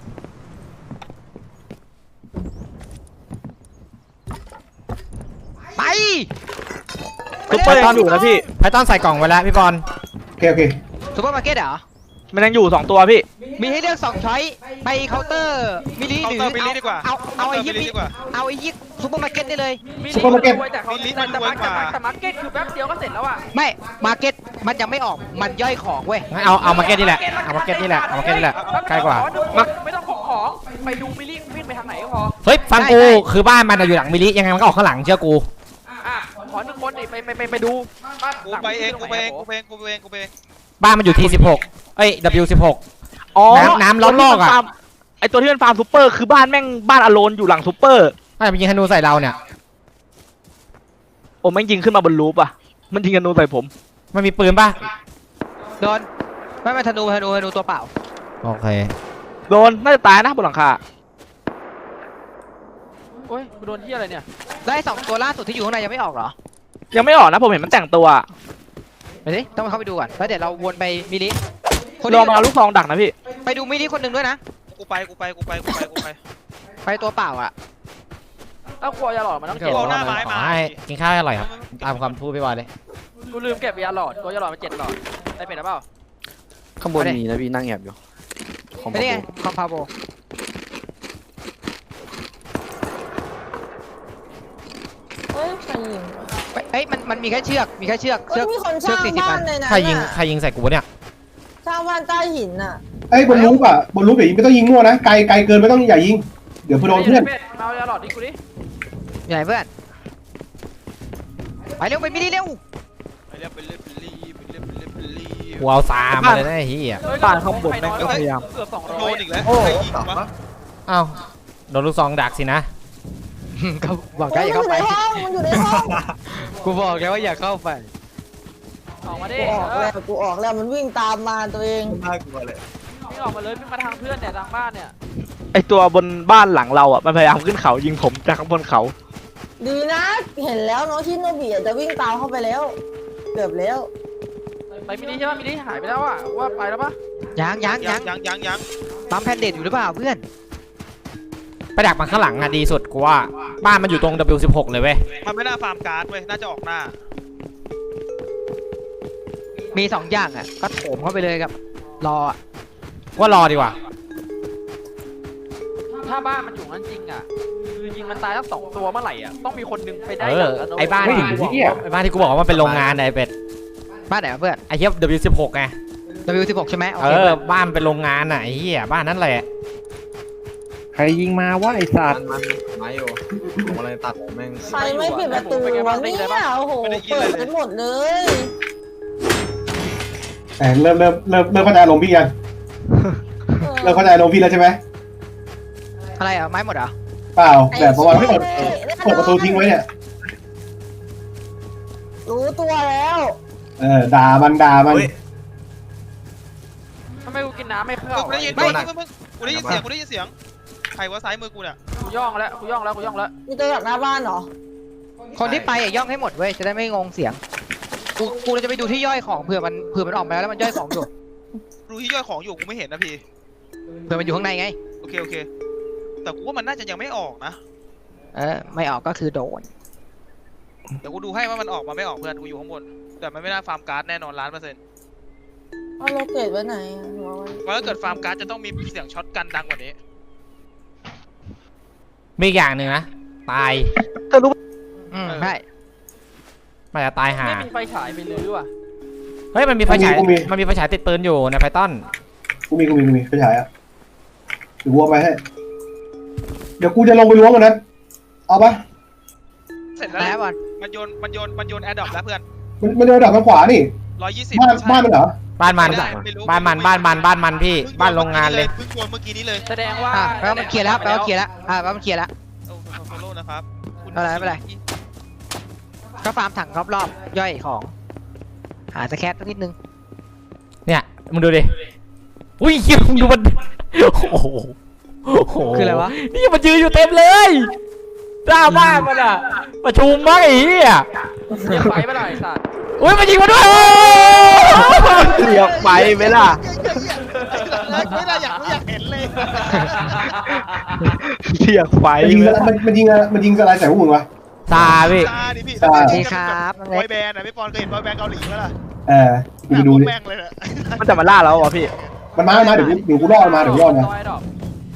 Speaker 1: ไป
Speaker 2: ซูเปอร์ยังอยู่นะพี่
Speaker 3: ไพต้อนใส่กล่องไว้แล้วพี่บอล
Speaker 5: โอเคโอเค
Speaker 1: ซูเปอร์มาร์เก็ตเหรอ
Speaker 2: มันยังอยู่สองตัวพี่
Speaker 1: มีให้เลือกสองช้อยไปเคาน์เตอร์มินิ
Speaker 8: เคา
Speaker 1: ห
Speaker 8: น์
Speaker 1: รือ
Speaker 8: เตอร์บิลลี่ดีกว่า
Speaker 1: เอาเอาไอ้
Speaker 8: เค
Speaker 1: ยี่
Speaker 8: น์ตร์บิลลี่ดีกว่า
Speaker 1: เอาไอ้ยี่ซูเปอร์มาร์เก็ตได้เลย
Speaker 6: มินิมันรวยแต่เขาแต่แต่มาร์เก็ตแต่มาร์เก็ตคือแป๊บเดียวก็เสร็จแล้วอ่ะ
Speaker 1: ไม่มาร์เก็ตมันยังไม่ออกมันย่อยของเว้ย
Speaker 3: งั้นเอาเอามาร์เก็ตนี่แหละเอามาร์เก็ตนี่แหละเอามาร์เก็ตนี่แหละใกล้กว่า
Speaker 6: ไม่ต้องของของไปดูมิลลี่วิ่งไปทางไหนก็พอ
Speaker 3: เฮ้ยฟังกูคือบ้านมันอะอยู่หลังมิลิยังไงมันก็ออกข้างหลังเชื่อกู
Speaker 6: อ่ะขอหนึ่งคนดิไปไปไปไปดูบ้าน
Speaker 8: กูไปเองกูไปเองกูไปเองกูไปเองกูไปเอง
Speaker 3: บ้านมันอยู่ทีสิบหกเอ้ย ดับเบิลยู สิบหก
Speaker 2: อ๋อ
Speaker 3: น้ำน้ำล้อมรอบอะ
Speaker 2: ไอตัวที่มันฟาร์มซูเปอร์คือบ้านแม่งบ้านอโลนอยู่หลังซูเปอร์
Speaker 3: ไม่ไปยิงธนูใส่เราเนี่ย
Speaker 2: โอ้แม่งยิงขึ้นมาบนรูปอ่ะมันยิงกันนูใส่ผม
Speaker 3: มันมีปืนป่ะ
Speaker 1: โดนไม่ไม่ธนูธนูธนูตัวเปล่า
Speaker 3: โอเค
Speaker 2: โดนน่าจะตายนะบนหลังคา
Speaker 6: โอ้ยกูโดนที่อะไรเนี่ย
Speaker 1: ได้สองตัวล่าสุดที่อยู่ข้างในยังไม่ออกเหรอ
Speaker 2: ยังไม่ออกนะผมเห็นมันแต่งตัว
Speaker 1: ไปสิต้องเข้าไปดูก่อนแล้วเดี๋ยวเราวนไปมินิคน
Speaker 2: ลองมาเอาลูกซองดักนะพี่
Speaker 1: ไปดูมินิคนหนึ่งด้วยนะ
Speaker 8: กูไปกูไปกูไปกูไปกูไป
Speaker 1: ไปตัวเปล่าอ่ะ
Speaker 6: เอ้ากลัวยาหลอดมันต้อง
Speaker 3: เก็
Speaker 6: เก็
Speaker 3: บบ
Speaker 8: เอาหน้าไม้มา
Speaker 3: ขอให้กินข้าวให้อร่อยครับ ตามความพูดพี่บอลเลย
Speaker 6: กูลืมเก็บยาหลอดกลัวยาหลอดมาเจ็ดหลอดได้เป็นหรือเปล่า
Speaker 4: ข้างบนมีนะพี่นั่งแอบอยู่ของ
Speaker 1: ไม่ได้ไงคอมพาโบ
Speaker 7: เฮ้ยใครยิง
Speaker 1: เอ้ยมันมันมีแค่เชือกมีแค่เชือก
Speaker 7: เฮ้
Speaker 1: เชื
Speaker 7: ย
Speaker 1: อก
Speaker 7: มีคน
Speaker 1: เชื
Speaker 7: ส
Speaker 1: อก
Speaker 7: ร้าง
Speaker 1: สี่สิบ
Speaker 7: บ้า
Speaker 1: อั
Speaker 7: น
Speaker 1: น
Speaker 7: ในนั้น
Speaker 3: ใครยิง
Speaker 7: น่ะ
Speaker 3: ใครยิงใส่กูวะเนี่ย
Speaker 7: สร้างบ้านใต้หินน่ะ
Speaker 5: ไอ้บนรูปอ่ะบนรูปอย่ายิงไม่ต้องยิงมั่วนะไกลไกลเกินไม่ต้องอย่ายิงเดี๋ยวเพื่อนโดนเพื่อน
Speaker 6: เอายาหลอดดิกูดิ
Speaker 1: อยู่ไหนเพื่อนไปเร็วไปมินิเร็ว
Speaker 8: ไปเรียบไปเรียบไปเรียบไปเรียบไปเรียบไปเรียบ
Speaker 3: กูเอาซามาเลยนะไอ้เหี้ย
Speaker 2: บ้านข้างบนแม่งก็พยายาม
Speaker 6: เกือบสองร้
Speaker 8: โด
Speaker 6: อย
Speaker 8: นอีกแล้ว
Speaker 9: โอ้
Speaker 8: ใครยิงวะ
Speaker 3: อ้าวโดนลูกซองดักสินะ
Speaker 1: ก็บอก
Speaker 7: โอ้
Speaker 1: ได้
Speaker 7: ย
Speaker 1: อย่า
Speaker 7: มันอ
Speaker 1: เข้า
Speaker 7: ยู่
Speaker 1: ไป
Speaker 7: ในห้องมันอยู่ในห้อง
Speaker 1: กูบอกแล้วว่าอย่าเข้าไป
Speaker 6: ออกมาดิ
Speaker 7: กูออกแล้วกูออกแล้วมันวิ่งตามมาตัวเอง
Speaker 9: น่ากลัวเลย
Speaker 6: วิ่งออกมาเลยวิ่งมาทางเพื่อนเนี่ยทางบ้านเนี่ย
Speaker 2: ไอตัวบนบ้านหลังเราอ่ะมันพยายามขึ้นเขายิงผมจากข้างบนเขา
Speaker 7: ดีนะเห็นแล้วน้องชิโนบิจะวิ่งตามเข้าไปแล้วเกือบแล้ว
Speaker 6: ไปมินิใช่ป่ะมินิหายไปแล้วอ่ะว่าไปแล้วปะ
Speaker 1: ยังยัง
Speaker 8: ยั
Speaker 1: ยัง ง
Speaker 8: ยังยังยัง
Speaker 1: ปั๊มแพนเดตอยู่หรือเปล่าเพื่อน
Speaker 3: ไปดักมันข้างหลังอะดีสุดกูว่า บ้านมันอยู่ตรง ดับเบิลยู สิบหก เลยเว้ย
Speaker 8: มันไม่น่าฟาร์มการ์ดเว้ยน่าจะออกหน้า
Speaker 1: มีสองอย่างอ่ะก็โถมเข้าไปเลยกับรออ่ะ
Speaker 3: ว่ารอดีกว่า
Speaker 6: ถ้าบ้านมันอยู่นั่นจริงอ่ะคือยิงมันตายทั้งสองตัวเมื่อไหร่อ่ะต้องมีคนนึงไปได้
Speaker 3: เออ
Speaker 6: ย่งะ
Speaker 3: ไอ้บ้าน
Speaker 6: เว้ย
Speaker 3: ที่กูบอกว่าไอ้บ้านที่กูบอกว่ามันเป็นโรงงานไอ้เป็ด
Speaker 1: บ้านไหนวะเพื่อน
Speaker 3: ไอ้เหี้ย ดับเบิลยู สิบหก ไง
Speaker 1: ดับเบิลยู สิบหก ใช่ไหมโอ
Speaker 3: เอ
Speaker 1: เค
Speaker 3: อ
Speaker 1: เพื่อน
Speaker 3: บ้านเป็นโรงงานอ่ะไอ้เหี้ยบ้านนั้นแหละ
Speaker 4: ใครยิงมาวะไอ้สัตว์
Speaker 9: มันไม้อยู่ผมอะไรตัดแม่ง
Speaker 7: ใครไม่ปิดประตูวะเนี่ยโอ้โหเปิดกันหมดเลย
Speaker 5: แต่เริ่มเริ่มเริ่มเริ่มเข้าใจลมณ์พี่ยังเริ่มเข้าใจลมณ์พี่แล้วใช่ไหม
Speaker 1: อะไรอ่ะไม้หมดเหรอ
Speaker 5: เปล่าแต่เพราะว่าไม่เปิดเปิดประตูทิ้งไว้เนี่ย
Speaker 7: รู้ตัวแล้ว
Speaker 5: เออด่ามันด่ามัน
Speaker 6: ทำไมกูกินน้ำไม่เข้า
Speaker 8: กูได้ยิน
Speaker 6: ไม่
Speaker 8: ไม่ไม่กูได้ยินเสียงกูได้ยินเสียงใครว่าซ้ายมือกูเนี่ย
Speaker 6: กูย่องแล้วกูย่องแล้วกูย่องแล้ว
Speaker 7: มีตัวจากหน้าบ้านเหรอ
Speaker 1: คนที่ไปอ่ะย่องให้หมดเว้ยจะได้ไม่งงเสียงกูกูจะไปดูที่ย่อยของเผื่อมันเผื่อมันออกมาแล้วแล้วมันย่อยของอยู่
Speaker 8: ดูที่ย่อยของอยู่กูไม่เห็นนะพี่
Speaker 1: เผื่อมันอยู่ข้างในไง
Speaker 8: โอเคโอเคแต่กูว่ามันน่าจะยังไม่ออกนะ
Speaker 1: เออไม่ออกก็คือโดน
Speaker 8: เดี๋ยวกูดูให้ว่ามันออกมาไม่ออกเพื่อนกูอยู่ข้างบนแต่มันไม่น่าฟาร์มการ์ดแน่นอนล้านเปอร์เซ็นต์
Speaker 7: เอาโลเกตไว้ไหนอะหัวไว้
Speaker 8: เพราะถ้าเกิดฟาร์มการ์ดจะต้องมีเสียงช็อตกันดังกว่านี้
Speaker 3: มีอีกอย่างหนึ่งนะตาย
Speaker 1: อืมใช่
Speaker 3: มันจะตายห่า
Speaker 6: ไม่มีไฟฉายไปลื้อว่ะ
Speaker 3: เฮ้ยมันมีไฟฉายมันมีไฟฉายติดปืนอยู่ในไพทอน
Speaker 5: กูมีกูมีกูมีไปฉายอ่ะเดี๋ยววัวไปให้เดี๋ยวกูจะลงไปล้วงมันนั้นเอาปะ
Speaker 8: เสร็จแล้ว
Speaker 1: แล้วบอล
Speaker 8: มันโยนมันโยนมันโยนแอร์ดรอปแล้วเพื่อน
Speaker 5: มันมันเดินดับทางขวานี่
Speaker 8: ร้อยยี่สิบ
Speaker 5: บ้านบ้านมันเหรอ
Speaker 3: บ้านมัน
Speaker 8: ไม่ได้ไม่รู้
Speaker 3: บ้านมันบ้านมันบ้านมันพี่บ้านโรงงานเลย
Speaker 8: เพิ่งโยนเมื่อกี้นี้เลย
Speaker 6: แสดงว่า
Speaker 1: อ่ะแปลว่ามันเคลียร์แล้วแปลว่าเคลียร์แล้วอ่ะแปลว่ามันเคลียร์แล้ว
Speaker 8: โอ้โซโล่นะครับคุณ
Speaker 1: อะไรไม่เป็นไร ก็ฟาร์มถังรอบๆย่อยของ หาสแครสักนิดนึง
Speaker 3: เนี่ยมึงดูดิอุ้ยเหี้ยมึงดูมันโอ้โหโอ้โห
Speaker 1: คืออะไรวะ
Speaker 3: นี่มันยืนอยู่เต็มเลยหน้าบ้านมันอะประชุมมั้งไอ้เหี้ย
Speaker 6: เรียกไฟไม่ได้ไอ้สัตว์
Speaker 3: อุ้ยมันยิงมาด้วย
Speaker 2: เสียบไปไหมล่ะ
Speaker 8: ไม่ได้อยากอยากเห็นเลย
Speaker 2: เสียบไฟ
Speaker 5: มันยิง
Speaker 2: ไหม
Speaker 5: อะไรมันมันยิงอะไรมันยิงอะไรใส่พวกมึงวะ
Speaker 3: ซาพี่
Speaker 8: ตาดิพี่
Speaker 5: ตา
Speaker 1: สวัสดีครับน้อง
Speaker 8: บ
Speaker 1: เล็
Speaker 8: อก ยแบนด์อะพี่ปอนเคยเห็นบอยแบนด์เกาหลีไหมล่ะ
Speaker 5: เออกูไปดูดิ
Speaker 8: แม่งเลยนะ
Speaker 2: มันจะมาล่าเราเหรอพี่
Speaker 5: มันมามาเดี๋ยวกูเดี๋ยวกูรอดมาเดี๋ยวกูรอดมา
Speaker 6: ร้อยดอก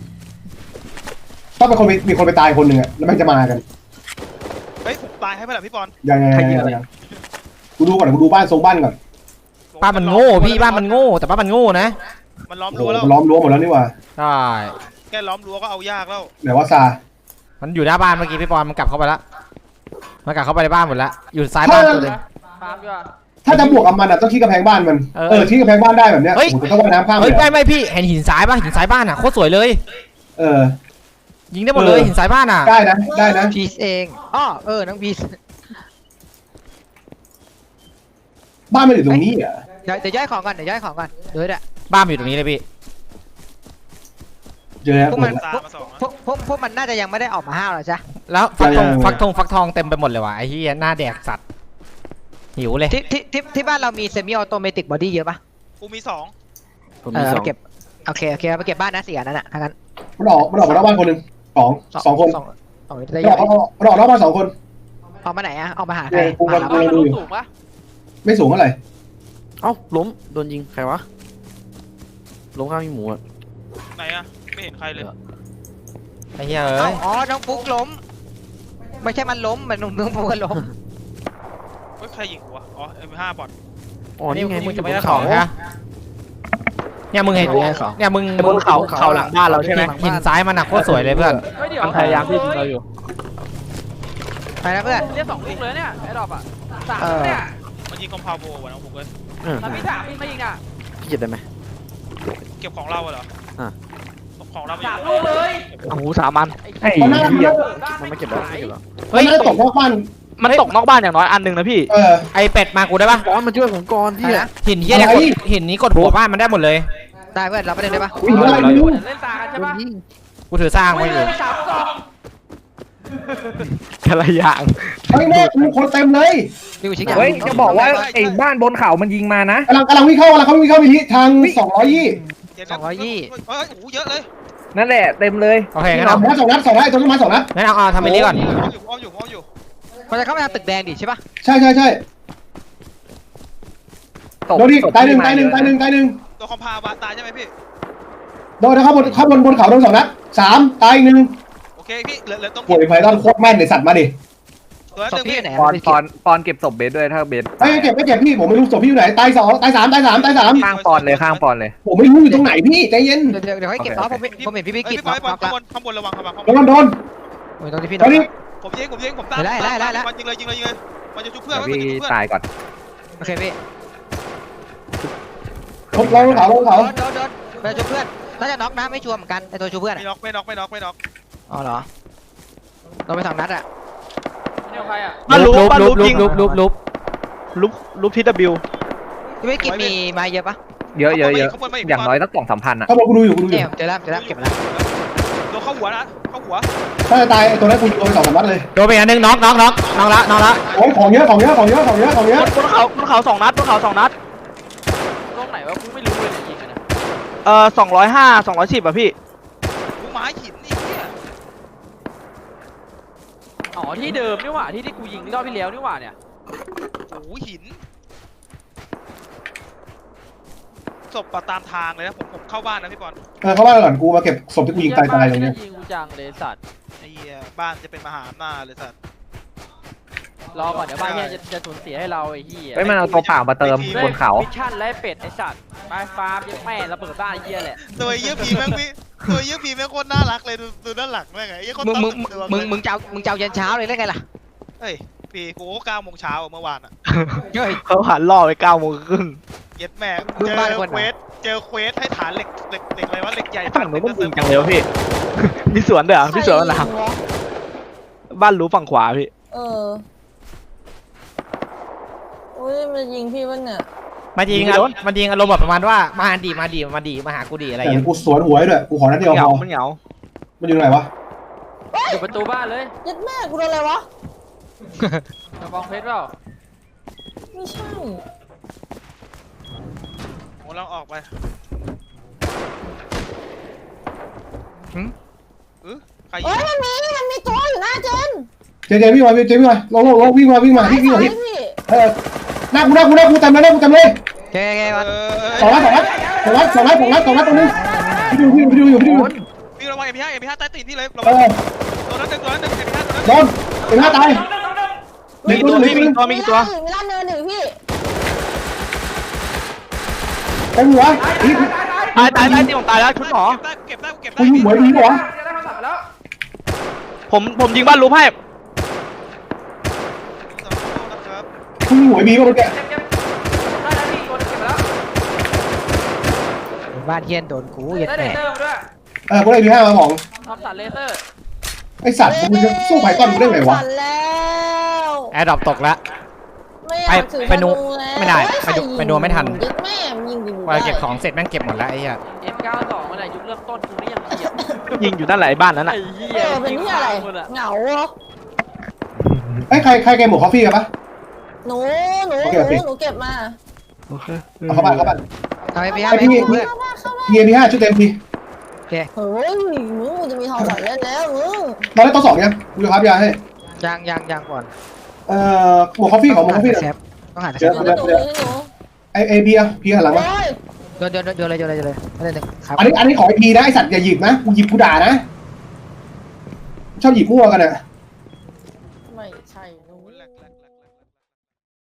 Speaker 5: ต้องเป็นคนมีมีคนไปตายคนหนึ่งอ่ะแล้วมันจะมากัน
Speaker 8: เฮ้ยผมตายให้ไหมล่ะพี่ปอน
Speaker 5: ยังไงยังไงยังไงกูดูก่อนกูดูบ้านทรงบ้านก่อน
Speaker 3: บ้านมันโง่พี่บ้านมันโง่แต่บ้านมันโง่นะ
Speaker 8: มันล้อม
Speaker 5: โอ้โห
Speaker 8: รั้วแล้ว
Speaker 5: มันล้อมรั้วหมดแล้วนี่หว่า
Speaker 3: ใช่
Speaker 8: แค่ล้อมรั้วก็เอายากแล้ว
Speaker 5: ไหนว่าซา
Speaker 3: มันอยู่หน้าบ้านเมื่อกี้พี่ปอนมันกลับเข้าไปแล้วมันกลับเข้าไปในบ้านหมดแล้วอยู่ซ้ายบ้านตัวหนึง
Speaker 6: ฟาร์มด้วย
Speaker 5: ถ้าจะบวกกับมันอ่ะต้องชี้กำแพงบ้านมัน
Speaker 3: เออ
Speaker 5: เออชี้กำแพงบ้านได้แบบเนี้ย
Speaker 3: เฮ้ย
Speaker 5: ผมต้องว่ายน้ำข้าม
Speaker 3: เฮ้ย
Speaker 5: เลย
Speaker 3: ไม่ไม่พี่เห็นหินซ้ายป่ะหินซ้ายบ้านอ่ะโคตรสวยเลย
Speaker 5: เออ
Speaker 3: ยิงได้หมดเลย
Speaker 5: เออ
Speaker 3: หินซ้ายบ้านอ่ะ
Speaker 5: ได้นะได้นะ
Speaker 1: พีซเองอ้อเออน้องพีซ
Speaker 5: บ้านมันอยู่ตรงนี้อ่ะ
Speaker 1: เดี๋ยวเดี๋ยวย่อยของก่อนเดี๋ยวย่อยของก่อนเดี๋ยวเดี๋ยว
Speaker 3: บ้านมันอยู่ตรงนี้เลยพี่
Speaker 5: เจอแล้ว
Speaker 1: พวกมัน
Speaker 8: ตามาสอง
Speaker 1: พวกพวกพวกมันน่าจะยังไม่ได้ออกมาห้าวหรอจ๊ะ
Speaker 3: แล้วฟักทอง
Speaker 5: ยังๆ
Speaker 3: ฟักทองฟักทองเต็มไปหมดเลยว่ะไอ้เหี้ยหน้าแดกสัตว์หิวเลย
Speaker 1: ที่ที่ที่ที่บ้านเรามีเซมิออโตเมติกบอดี้เยอะปะ
Speaker 8: กูมีสอง
Speaker 4: ผม
Speaker 1: เอ
Speaker 4: มี
Speaker 1: อ
Speaker 4: สอ
Speaker 1: เอา
Speaker 4: ง
Speaker 1: เก็บโอเคโอเคเอาไปเก็บบ้านนะสี่อันนั้นอ่ะทั้งนั้น
Speaker 5: มันออกมันออกมาหน้าบ้านคนหนึ่งสองสองคน
Speaker 1: สองสอง
Speaker 5: มัน
Speaker 1: ได้
Speaker 5: อ
Speaker 1: ยั
Speaker 5: อก
Speaker 1: ง
Speaker 5: มันออกหน้าบ้านสองคน
Speaker 1: ออกมาไหนอ่ะออกมาหาใคร
Speaker 5: เนี่ยกู
Speaker 1: มา
Speaker 5: กับ
Speaker 1: หา
Speaker 6: บ้านมันรู้สูงปะ
Speaker 5: ไม่สูงเท่าไหร่
Speaker 4: เอ้าล้มโดนยิงใครวะล้มข้างมีหมูอ่ะ
Speaker 8: ไหนอะไม่เห็นใครเลย
Speaker 3: ไอ้เหี้ย
Speaker 1: เอ้า
Speaker 3: เอ้ย
Speaker 1: อ๋อน้องฟุกล้ม ไม่ใช่มันล้มมันน้องฟุกก็ล้ม
Speaker 8: เฮ้ยใครยิงกูวะอ๋อเอ็มห้าบอท
Speaker 4: อ๋อนี่ไง
Speaker 3: มึงจะไม่
Speaker 4: บ
Speaker 3: ได้
Speaker 4: น
Speaker 3: ของฮะเนี่ยมึงเห็นเนี่ยมึง
Speaker 2: บนเขาเขาหลังบ้านเราใช่ไหม
Speaker 3: หินซ้ายมันหนักโคตรสวยเลยเพื่อน
Speaker 6: เฮ้ยเดี๋ยว
Speaker 2: มันพยายามที่ยิงเราอยู่
Speaker 1: ไปนะเพื่อน
Speaker 6: เรียกสองลูกเลยเนี่ยไอ้ดอกอ่ะสาม
Speaker 1: เออ
Speaker 6: เนี่ย
Speaker 8: มันยิงคอมพาวโบวะน้องผมเลย
Speaker 4: เออ
Speaker 6: แล้วมีสามมีมายิงอ่ะ
Speaker 4: พี่เก็บได้ไหม
Speaker 8: เก็บของเราเหรอ
Speaker 4: อ่ะ
Speaker 8: ของเราไม่
Speaker 6: สามลูกเลย
Speaker 2: โอ้โหสามอันไอ้
Speaker 5: มันน่า
Speaker 2: เหี้ย
Speaker 4: มันไม่เก็บแล้วไม่เก็บแล้ว
Speaker 5: เฮ้
Speaker 3: เฮ้
Speaker 5: ย
Speaker 3: ย
Speaker 5: มันน่าตกนอกบ้าน
Speaker 2: มันตกนอกบ้านอย่างน้อยอันหนึ่งนะพี่
Speaker 5: เออ
Speaker 3: ไอเป็ดมากูได้ปะ
Speaker 4: ก้อนมาช่วยผมก่อนพี่อะ
Speaker 3: หินเหี้ยเนี่ย
Speaker 5: อะไร
Speaker 3: กดหินนี้กดหัวบ้านมันได้หมดเลย
Speaker 1: ได้เพื่อนเราไปเล่นได้ปะ
Speaker 5: อุ้ยอะไรไม่รู้
Speaker 6: เล่นตากันใช่
Speaker 4: โดน
Speaker 6: ปะ
Speaker 4: ยิง
Speaker 3: กูถือสร้างไว้อยู่
Speaker 6: มีสามกล่อง
Speaker 2: แต่ละอย่าง
Speaker 5: เฮ้ยแม่กูคนเต็มเลย
Speaker 1: ดูชิค
Speaker 2: เฮ้ยจะบอกว่าไอ้บ้านบนเขามันยิงมานะ
Speaker 5: กำลังกำลังวิ่งเข้ากำลังเขาวิ่งเข้ามิลิทางสองร้อยยี่
Speaker 8: เฮ้ยโอ้โหเยอะเลย
Speaker 2: นั่นแหละเต็มเลย
Speaker 3: โอเคงั้น
Speaker 5: สอ
Speaker 3: เอา
Speaker 5: งนัดสองนัดสองนัดไอ้ต้นไม้สองนัด
Speaker 3: งั้นเอาเอาทำไปนี้ก่อน
Speaker 8: อ้อมอยู่อ้อมอยู่อ้อมอยู่
Speaker 1: มันจะเข้าไปทางตึกแดงดิใช่ปะ
Speaker 5: ใช่ใช่ใช่
Speaker 2: ตก
Speaker 5: โดนดิ
Speaker 2: ตก
Speaker 5: ตายหนึ่ง
Speaker 2: ที่
Speaker 5: ตายหนึ่ง
Speaker 2: ม
Speaker 5: ตายหนึ่งตายหนึ่ง
Speaker 8: ตัวคอมพาวบาตายใช่ไหมพี่
Speaker 5: โดนนะครับบนข้างบนบนเขาโดนสองนัดสามตายอีกหนึ่ง
Speaker 8: โอเคพี่เหลือเหลือตรง
Speaker 5: โอ้ยไพทอนโคตรแม่นเลยสัตว์มาดิ
Speaker 8: ตัวนั้น
Speaker 1: ศ
Speaker 8: ห
Speaker 1: พ
Speaker 8: นึ่ง
Speaker 1: พี่
Speaker 8: พี่
Speaker 1: อยู่ไหน
Speaker 9: ปอน
Speaker 1: พี่
Speaker 9: ปอนปอนเก็บศพเบสด้วยถ้าเบส
Speaker 5: ไม่เก็บไม่เก็บพี่ผมไม่รู้ศพพี่อยู่ไหนตายสองตายสามตายสามตายสาม
Speaker 9: ข้างปอนเลยข้างปอนเลย
Speaker 5: ผมไม่รู้อยู่ตรงไหนพี่ใจเย็น
Speaker 1: เดี๋ยวเดี๋ยวให้เก็บอ๋อผมผมเห็นพี่พี่
Speaker 8: เอ้ย
Speaker 1: กิจ
Speaker 8: พี่บอยบอล
Speaker 1: น็อก
Speaker 8: ข้างบ
Speaker 1: ละ
Speaker 8: นข้างบนระวังระวังข้าง
Speaker 5: โด
Speaker 8: บน
Speaker 5: นโดน
Speaker 1: โอ้ยตรงที่พี่
Speaker 5: ตอนนี้
Speaker 8: ผมยิงผมยิงผมตาม
Speaker 1: ได้ได้ได้ได้
Speaker 8: บอลยิงเลยยิงเลยยิงเลยบอลจะชุบเพื่อน
Speaker 9: เดี๋ยว
Speaker 8: บอล
Speaker 9: พี่
Speaker 8: จะชุบเพื่อน
Speaker 9: ตายก่อน
Speaker 1: โอเคพี่
Speaker 5: ลงลงเขาลง
Speaker 1: โด
Speaker 5: เขา
Speaker 1: นโดนโดนไปชูเพื่อนน่าจะน็อกนะไม่ชัวร์เหมือนกันไอตัวชูเพื่อน
Speaker 8: ไม่
Speaker 1: อะ
Speaker 8: น็อกไม่น็อกไม่น็อกไม่น็อก
Speaker 1: อ๋อเหรอโดนไปสองนัดอะ
Speaker 6: นี่ของใครอ่ะ
Speaker 2: บ้านรูปบ้านรูป
Speaker 3: ลุ
Speaker 2: ยิ
Speaker 3: บ
Speaker 2: ง
Speaker 3: ลุบลุบลุบ
Speaker 2: รูปรูปทีดับบิว
Speaker 1: พี่พี่กิจมีไม้เยอะปะ
Speaker 9: เยอะเยอะเยอะอย่างน้อยสักสองสามพันอ่ะ
Speaker 5: เขาบอกกูดูอยู่กูดูอ
Speaker 1: เนี่ย
Speaker 5: ยู่
Speaker 1: เจอแล้วเจอแล้วเก็บมาแล้ว
Speaker 8: โดนเข้าหัวนะเข้าหัว
Speaker 5: ถ้าจะตายไอ้ตัวนั้นกูยิงโดนไปสองสามนัดเลย
Speaker 3: โดนไปอันหนึงน็อกน็อกน็อกน็อกละน็อกละ
Speaker 5: โอ้ยของเยอะของเยอะของเยอะของเยอะของเยอะ
Speaker 2: บนเขาบนเขาสองนัดบนเขาสองนัด
Speaker 6: ตรงไหนวะกูไม่รู้เลยเนี่ยยิงกันนะ
Speaker 2: เอ่อสองร้อยห้าสองร้อยสิบอ่ะพี่
Speaker 8: กูไม้หินนี่เนี่ย
Speaker 6: อ๋อที่เดิมนี่หว่าที่ที่กูยิงรอบที่แล้วนี่หว่าเนี่ย
Speaker 8: โอ้โหหินศพปะตามทางเลยนะผมผมเข้าบ้านนะพี่บอล
Speaker 5: เออเข้าบ้านก่อนกูมาเก็บศพที่กูยิงตายตายตรงนี้
Speaker 6: ยิงกูจังเลยสัตว์
Speaker 8: ไอ้เหี้ยบ้านจะเป็นมหาอำนาจเลยสัตว์
Speaker 6: รอก่อนเดี๋ยวบ้านเนี่ยจะจะสูญเสียให้เราไอ้เหี้ย
Speaker 9: เฮ้ยมันเอาตัวเปล่ามาเติมบนเขา
Speaker 6: มิชชั่นไล่เป็ดไอ้สัตว์ไปฟาร์มยังแม่ระเบิดบ้านไอ้เหี้ยแหละ
Speaker 8: ตัวเยี่ยผีแม่งพี่ตัวเยี่ยผีแม่งโคตรน่ารักเลยดูดูด้านหลังแม่งไงไอ้คน
Speaker 1: มึง
Speaker 8: ตั้
Speaker 1: มึง
Speaker 8: งตัว
Speaker 1: มึงมึงเจ้ามึงเจ้ายันเช้าเลยได้ไงล่ะ
Speaker 8: เฮ้ยปีกูก็เก้าโมงเช้าเมื่อวานอ่ะ
Speaker 1: เฮ้ย
Speaker 2: เขาหันล่อไปเก้าโมงครึ่ง
Speaker 8: เย็ดแม่
Speaker 1: มึง
Speaker 8: เจอ
Speaker 1: บ้านคน
Speaker 8: เควสเจอเควสให้ฐานเหล็กเหล็กเหล็กอะไรวะเหล็กใหญ่
Speaker 2: ฝั่งนู้นมันยิงจังเลยวะพี่ มีสวนเด้อมีสวนอะไร
Speaker 7: ใครยิงวะ
Speaker 2: บ้านรู้ฝั่งขวาพี่
Speaker 7: เอออุ้ยมันยิงพี่วะเนี่ย
Speaker 3: มันยิงอะมันยิงอารมณ์แบบประมาณว่ามาดีมาดีมาดีมาหากูดีอะไรอ
Speaker 5: แต่
Speaker 3: ย่างเงี้ย
Speaker 5: กูสวนหัวให้ด้วยกูขอนัดเดียว
Speaker 2: เห
Speaker 5: พ
Speaker 2: งา
Speaker 5: อ
Speaker 2: มันเหงา
Speaker 5: มันอยู่ตรงไหนวะ
Speaker 6: อยู่ประตูบ้านเลย
Speaker 7: ยัดแม่กูโดนอะไรวะ
Speaker 6: กระบองเพชรเปล่า
Speaker 7: ไม่ใช่
Speaker 8: ผมลองออกไป
Speaker 1: หืม
Speaker 8: เออใครยิ
Speaker 7: เฮ้
Speaker 8: ง
Speaker 7: ยมันมีมันมีตัวอยู่หน้าเจน
Speaker 5: เจเจวิ่งมาเจวิ่งมาลงลงลงวิ่งมาวิ่งมาวิ่งวิ่งมา
Speaker 7: ซ้าย
Speaker 5: วิ่ง
Speaker 7: พี่
Speaker 5: เออหน้ากูหน้ากูหน้ากูจำเลยหน้ากูจำเลย
Speaker 1: โอเคโอเค
Speaker 8: เอ
Speaker 1: วัน
Speaker 8: อ
Speaker 5: สองนัดสองนัดสองนัดสองนัดสองนัดสองนัดตรงนี้พี่ดูพี่ดูพี่ดูพี่ดู
Speaker 8: พี่ระวังเอ็มพีห้าเอ็มพีห้าใต้ตีนพี่เลยระ
Speaker 5: เอ
Speaker 8: วัง
Speaker 5: อ
Speaker 8: ตัวนั้นหนึ่งตัวนั้นหนึ่งเอ็มพีห้าตัวนั้น
Speaker 5: โดนเป็นหน้าตายหนึ่งตัวหนึ่งตัวหนึ่ง
Speaker 2: ตัวมีกี่ตัว
Speaker 7: มีร้านเนินหนึ่งพี่
Speaker 5: เต็มหัวอีก
Speaker 2: ตายตายตายที่ผมตายแล้วชุดหมอ
Speaker 8: เก็บได้เก็บได้
Speaker 5: กู
Speaker 8: เก็บ
Speaker 5: ยิง
Speaker 8: ได้
Speaker 5: หัวดีกว่า
Speaker 2: ผมผมยิงบ้านรูปให้
Speaker 8: นะครับ
Speaker 5: กูยิงหัวบีก็เมื่อกี้
Speaker 6: ได้แล้วพี่ตัวนึงเก็บไปแล้ว
Speaker 1: บ้านเฮียนโดนกูยัด
Speaker 6: ได้เล
Speaker 1: แม่
Speaker 6: เซอร์มาด้วย
Speaker 5: เออกูได้บีห้ามาของ
Speaker 6: ทำสันเลเซอร์
Speaker 5: ไอสัตว์มึงจะสู้ไผ่ต้นกูได้ไงวะ
Speaker 7: สั่นแล้ว
Speaker 3: แอร์ดรอปตกละ
Speaker 7: ไม่อยากถือ
Speaker 3: ไปไปนู
Speaker 7: ธแล้ว
Speaker 3: ไม่ได้
Speaker 7: เฮ้ย
Speaker 3: ไปดู
Speaker 7: ใครยิง
Speaker 3: ไปดูไม่ทัน
Speaker 7: ยึดแม่มยิงดิ
Speaker 3: พอเก็บของเสร็จแม่งเก็บหมดแล้วไอ้เหี้ย
Speaker 6: เอ็มเก้าสองเมื่อไหร่ยุคเริ่มต้นกูนี่ยังเกียด
Speaker 2: ยิงอยู่นั่นแหละไอ้บ้านนั้น
Speaker 6: ไอ้
Speaker 2: น่ะ
Speaker 6: เหี้
Speaker 7: เอย อเป็นที่อะไร
Speaker 6: คนอะ
Speaker 7: เหงาเหรอ
Speaker 5: ไอ้ใครใครแกหมวกคอฟฟี่กันปะ
Speaker 7: หนูหนู
Speaker 5: โอ
Speaker 7: ห
Speaker 5: เค
Speaker 7: นู
Speaker 5: โอเค
Speaker 7: หนูเก็บมา
Speaker 5: เอาเข้าบ้านเข้าบ้าน
Speaker 1: เอาไปพี่ห้า
Speaker 5: ไอ้
Speaker 1: ไป
Speaker 5: พี่
Speaker 1: ให้กูเพื่อน
Speaker 7: เข้ามาเข้ามา
Speaker 5: พีเอพีห้าชุดเต็มพี
Speaker 7: เฮ้ยมึงจะมีทองสันเล่นแล้วมึง
Speaker 5: ตอนแรกตัวสองยังกูจะพับยาให้
Speaker 1: ยังยังยังก่อน
Speaker 5: เอ่อหมวกคอฟฟี่ของหมวกคอฟฟี่
Speaker 1: แซฟต้องหาแซ
Speaker 5: เดี๋ยว
Speaker 1: ฟ
Speaker 7: หนูหนูหนู
Speaker 5: ไอไอพีอะพีหันหลังมา
Speaker 7: โอ้ย
Speaker 1: โยนโยนโยนเลยโยนเลยโยนเลยไม่ได้หนึ่งครับ
Speaker 5: อันนี้อันนี้ของไอพีนะไอสัตว์อย่าหยิบนะกูหยิบกูด่านะชอบหยิบมั่วกันอะ